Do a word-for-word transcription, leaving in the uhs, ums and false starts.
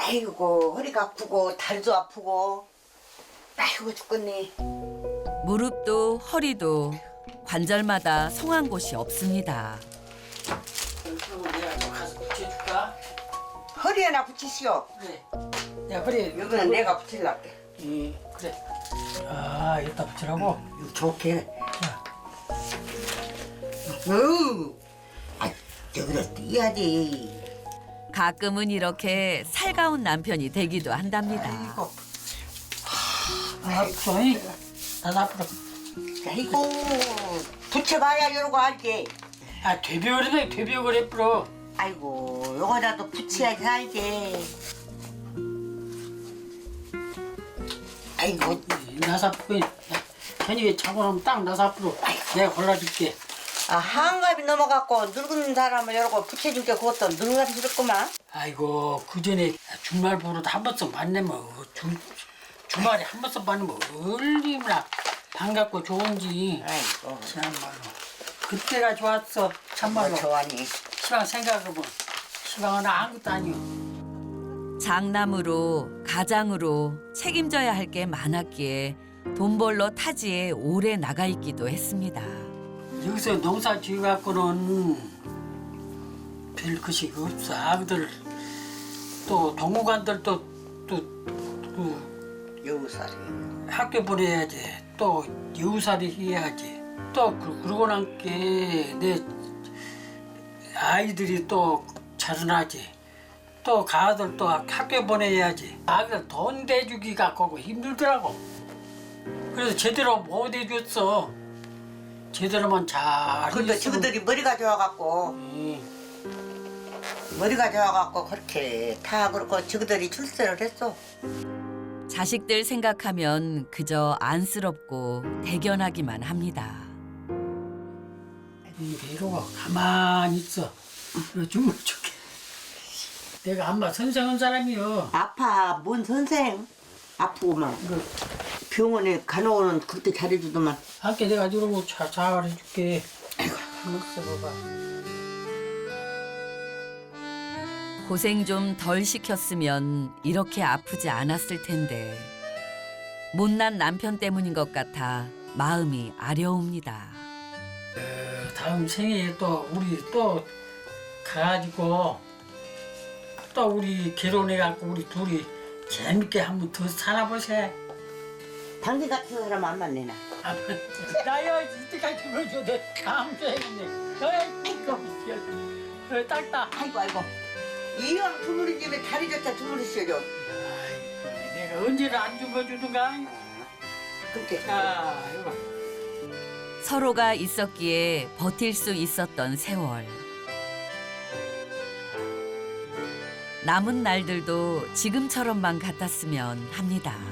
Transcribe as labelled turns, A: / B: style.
A: 아이고 허리가 아프고 다리도 아프고 아이고 죽겠네.
B: 무릎도 허리도 관절마다 성한 곳이 없습니다.
C: 그리고 내가 또 가서 붙여줄까?
A: 허리에나 붙이시오.
C: 그래. 내가 허리에
A: 여기는 내가 붙일란게.
C: 예, 그래. 아, 여기다 붙이라고?
A: 이거 좋게.
C: 자,
A: 어우, 아 여기다 띄야지.
B: 가끔은 이렇게 살가운 남편이 되기도 한답니다.
A: 아이고,
C: 아, 저희 나도 앞으로.
A: 아이고 붙여봐야 이러고 알지.
C: 아, 되비오래네, 되비오래 풀어.
A: 아이고 요거라도 붙여야지 알지. 아이고
C: 나사 풀이. 저녁에 자고 나면 딱 나사 풀어. 내가 골라줄게.
A: 아 한갑이 넘어갖고 늙은 사람을 이러고 붙여줄게. 그것도 늙은스럽구만.
C: 아이고, 그 전에 주말 보러도 한 번씩 만나면, 어, 주, 주말에 한 번씩 만나면 얼마나 반갑고 좋은지.
A: 아이고
C: 참말로. 그때가 좋았어, 참말로.
A: 뭐 좋아하니.
C: 시방 생각해보면 시방은 아무것도 아니오.
B: 장남으로 가장으로 책임져야 할 게 많았기에 돈 벌러 타지에 오래 나가 있기도 했습니다.
C: 여기서 농사 지어갖고는 별 것이 없어. 아그들 또 동무관들도 또그
A: 여우살이.
C: 학교 보내야지. 또 여우살이 해야지. 또 그- 그러고 난 게 내 아이들이 또 자라나지. 또 가들 또 학교 보내야지. 아들 돈 대주기 갖고 힘들더라고. 그래서 제대로 못 해줬어. 제대로만 잘.
A: 근데
C: 했으면-
A: 저들이 머리가 좋아갖고
C: 음,
A: 머리가 좋아갖고 그렇게 다 그렇고 저들이 출세를 했어.
B: 자식들 생각하면 그저 안쓰럽고 대견하기만 합니다.
C: 이러고 가만히 있어. 주물 줄게. 내가 한마 선생한 사람이요.
A: 아파 뭔 선생 아프고만 그 병원에 간호는 그때 잘해주더만.
C: 함께 내가 이러고 잘 잘해줄게. 한번 써봐봐.
B: 고생 좀 덜 시켰으면 이렇게 아프지 않았을 텐데 못난 남편 때문인 것 같아 마음이 아려옵니다.
C: 어, 다음 생에 또 우리 또 가가지고 또 우리 결혼해갖고 우리 둘이 재밌게 한번 더 살아보세.
A: 당신 같은 사람 안 만나나.
C: 아, 나야 이때까지 보여줘. 내 다음 생이네. 너야 이거 어, 딱딱.
A: 아이고 아이고 이왕 주무린 집에 다리 좋다 주무리시죠.
C: 아이고, 내가 언제를 안 죽어주든가.
A: 그렇게.
C: 아, 이거.
B: 서로가 있었기에 버틸 수 있었던 세월. 남은 날들도 지금처럼만 같았으면 합니다.